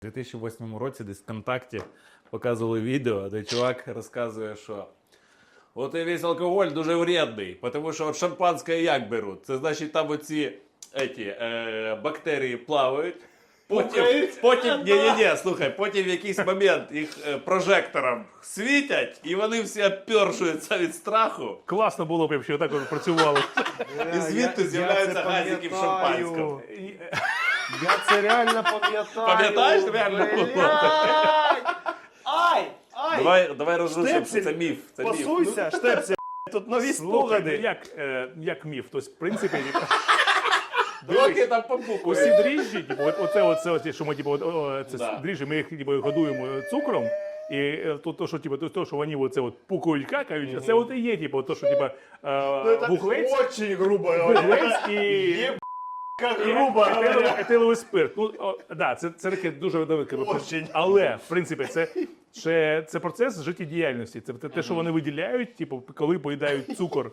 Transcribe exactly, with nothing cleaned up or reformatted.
У дві тисячі восьмому році десь в ВКонтакті показували відео, де чувак розказує, що от і весь алкоголь дуже вредний, тому що от шампанське як беруть? Це значить там оці еті, е, бактерії плавають, потім, потім, ні, ні, ні, слухай, потім в якийсь момент їх е, прожектором світять, і вони всі опершуються від страху. Класно було б, якщо так от працювало. І звідти з'являються газики в шампанському. Я це реально пам'ятаю. Пам'ятаєш, реально було? Блядь! Ай! Ай! Давай, давай розрушимо, що Штепсель, це міф. Це міф. Пасуйся, штепсель. Тут нові Слухай, спогади. як, е, як міф. Тобто, в принципі, Доки там побукує. усі дріжджі, типу, от, оце, оце, оце, що ми типу, от, о, це Да. дріжджі, ми їх типу, годуємо цукром. І е, то, то, що, типу, то, то, що вони оце, от, пукають, какають, mm-hmm. це от і є, типу, то, що типу, е, вуглець, Очень грубо. вуглець і... Как грубо. Етиловий, етиловий спирт. Ну, о, да, це, це таке дуже велике. Очень. Але, в принципі, це, це, це процес життєдіяльності. Це те, те, що вони виділяють, типу, коли поїдають цукор